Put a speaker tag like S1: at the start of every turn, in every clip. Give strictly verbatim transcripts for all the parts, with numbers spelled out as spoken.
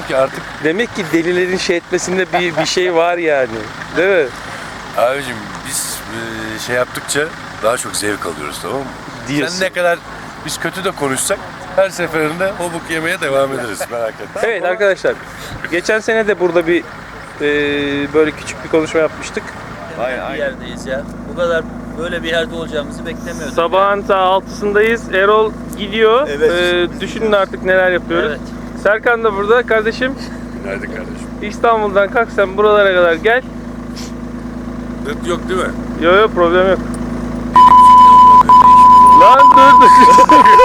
S1: Ki artık
S2: Demek ki delilerin şey etmesinde bir bir şey var yani. Değil mi?
S1: abicim biz e, şey yaptıkça daha çok zevk alıyoruz, tamam mı?
S2: Diyorsun.
S1: Sen ne kadar biz kötü de konuşsak her seferinde o buk yemeye devam ederiz, merak etme.
S2: Evet arkadaşlar. Geçen sene de burada bir e, böyle küçük bir konuşma yapmıştık.
S3: Bir yerdeyiz ya. Bu kadar böyle bir yerde olacağımızı beklemiyordum.
S2: Sabahın saat altısındayız. Erol gidiyor.
S3: Evet.
S2: E, düşünün artık neler yapıyoruz.
S3: Evet.
S2: Serkan da burada. Kardeşim
S1: Günaydın kardeşim.
S2: İstanbul'dan kalk sen buralara kadar gel.
S1: Dıt yok değil mi?
S2: Yok yok problem yok. Lan dur dur.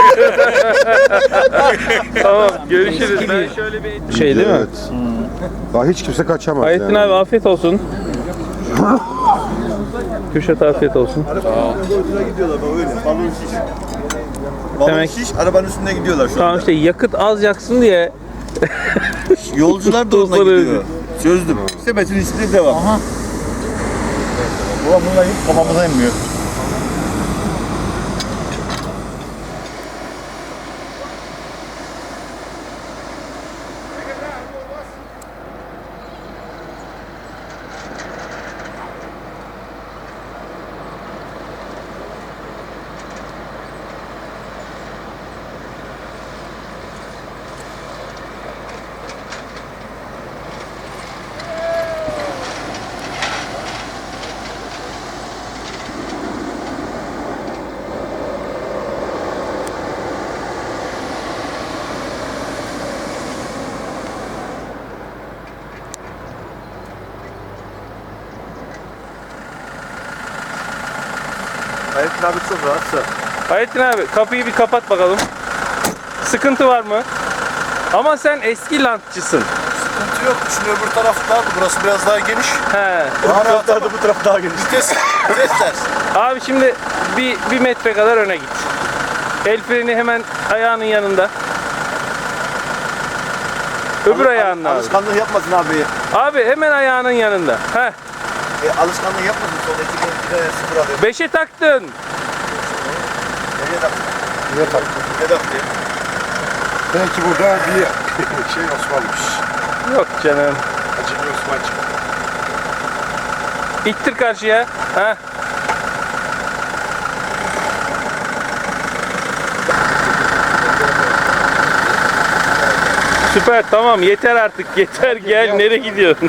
S2: Tamam görüşürüz. Ben şöyle bir şey değil mi?
S4: Evet. Daha hiç kimse kaçamaz
S2: Ayettin
S4: yani.
S2: abi afiyet olsun. Kürşat afiyet olsun.
S5: gidiyorlar bak öyle. Balon şiş. Balon
S2: Demek-
S5: şiş arabanın üstünde gidiyorlar şu
S2: Tamam
S5: anda.
S2: işte yakıt az yaksın diye.
S5: Yolcular da onunla
S2: Tuzları
S5: gidiyor. Çözdüm. Sepetin içinde devam. Aha. Ulan bunlar hiç kafamıza inmiyor.
S4: Ayettin abi çok rahatsa.
S2: Ayettin abi kapıyı bir kapat bakalım. Sıkıntı var mı? Ama sen eski lantçısın.
S1: Sıkıntı yok. Şimdi öbür taraf daha, burası biraz daha geniş.
S2: He.
S1: Daha rahat ama
S5: bu taraf daha geniş.
S1: vites, vites ters.
S2: Abi şimdi bir, bir metre kadar öne git. El freni hemen ayağının yanında. Öbür ayağının abi.
S5: Alışkanlık yapmasın abi.
S2: Abi hemen ayağının yanında. Heh.
S5: E, alışkanlık yapmasın. Sonra iki kere iki sıfır alıyor.
S2: Beşe taktın.
S5: Nereye taktın? Nereye taktın? Ne taktın?
S4: Belki burada bir şey Osman'mış.
S2: Yok canım.
S4: Acemi Osman çıktı.
S2: İttir karşıya. Heh. Süper tamam yeter artık yeter gel nereye gidiyorsun?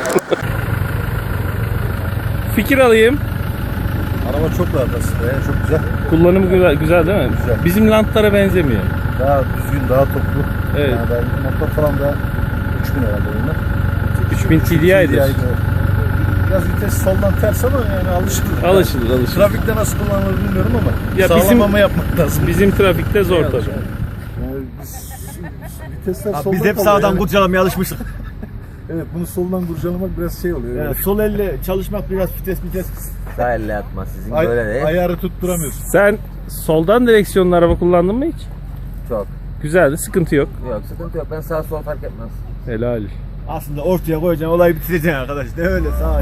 S2: Fikir alayım.
S5: Araba çok rahat aslında ya. Çok güzel.
S2: Kullanımı güzel, güzel değil mi?
S5: Güzel.
S2: Bizim lantlara benzemiyor.
S5: Daha düzgün, daha toplu.
S2: Evet.
S5: Yani ben motor falan da üç bin herhalde bunlar.
S2: üç bin T D I'dir.
S5: Biraz vites soldan ters ama yani alışılır.
S2: Alışılır alışılır.
S5: Trafikte nasıl kullanılır bilmiyorum ama
S2: Ya bizim-
S5: sağlamama yapmak lazım.
S2: Bizim trafikte zor tabii.
S5: Yani biz, vitesler
S6: Abi
S5: soldan
S6: biz hep
S5: kalıyor
S6: sağdan
S5: yani.
S6: kurcalamaya alışmıştık.
S5: Evet, bunu soldan kurcalamak biraz şey oluyor.
S6: Yani
S5: Yani.
S6: sol elle çalışmak biraz vites vites.
S3: Sağ elle atmaz sizin
S5: Ay,
S3: böyle değil.
S5: ayarı tutturamıyorsun.
S2: Sen soldan direksiyonlu araba kullandın mı hiç?
S3: Çok.
S2: Güzeldi sıkıntı yok.
S3: Yok sıkıntı yok. Ben sağ sol fark etmez.
S2: Helal.
S6: Aslında ortaya koyacaksın olayı bitireceksin arkadaş. Ne öyle sağ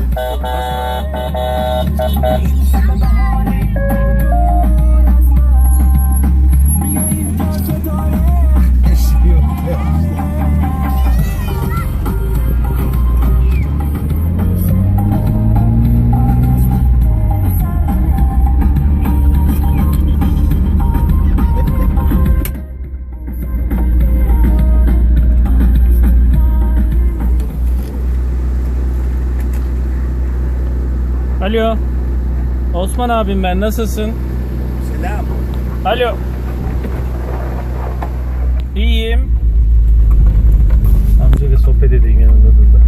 S2: Alo. Osman abim ben nasılsın?
S6: Selam.
S2: Alo. İyiyim. Amcayla sohbet edeyim yanında dur da.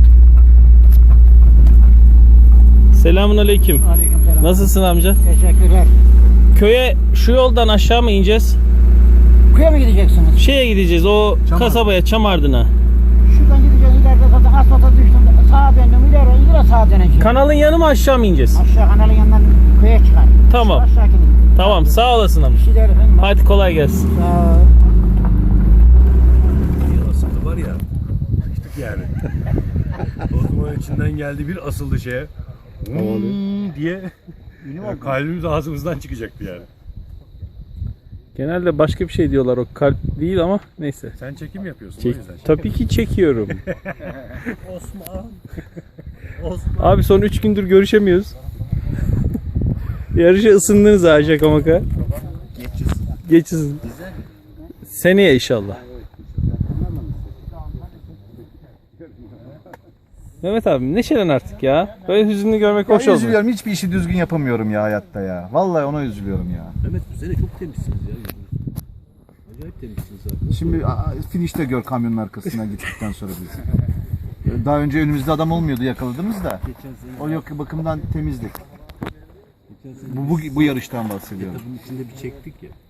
S2: Selamun aleyküm.
S7: Aleykümselam.
S2: Nasılsın amca?
S7: Teşekkürler.
S2: Köye şu yoldan aşağı mı ineceğiz?
S7: Köye mi gideceksiniz?
S2: Şeye gideceğiz o kasabaya Çamardın'a.
S7: Şuradan gideceğiz ileride zaten asfalta düştüm. Sağa döndüm ileri ileri sağa döneceğim.
S2: Kanalın yanı mı aşağı mı ineceğiz?
S7: Aşağı kanalın yanından köye çıkar.
S2: Tamam.
S7: Aşağı gidin.
S2: Tamam sağ olasın amca.
S7: Bir şey der efendim.
S2: Hadi kolay gelsin.
S7: Sağ ol.
S1: Asıldı var ya. Sıkıştık yani. Osman'ın içinden geldi bir asıldı şeye. Hmm diye. Yani kalbimiz ağzımızdan çıkacaktı yani.
S2: Genelde başka bir şey diyorlar, o kalp değil ama neyse.
S1: Sen çekim yapıyorsun
S2: Çek,
S1: o yüzden.
S2: tabii ki çekiyorum. Abi son üç gündür görüşemiyoruz. Yarışa ısındınız ha şaka maka. Geç ısın. Seneye inşallah. Mehmet abi neşelen artık ya. Böyle hüzünlü görmek hoş
S5: Ya
S2: oldu.
S5: üzülüyorum. Hiçbir işi düzgün yapamıyorum ya hayatta ya. Vallahi ona üzülüyorum ya.
S1: Mehmet bu sene çok temizsiniz ya. Acayip temizsiniz abi.
S5: Şimdi a- finişte gör kamyonun arkasına gittikten sonra bizi. Daha önce önümüzde adam olmuyordu yakaladığımız da. O yok bakımdan temizdik. Bu, bu, bu yarıştan bahsediyorum.
S1: Bunun içinde bir çektik ya.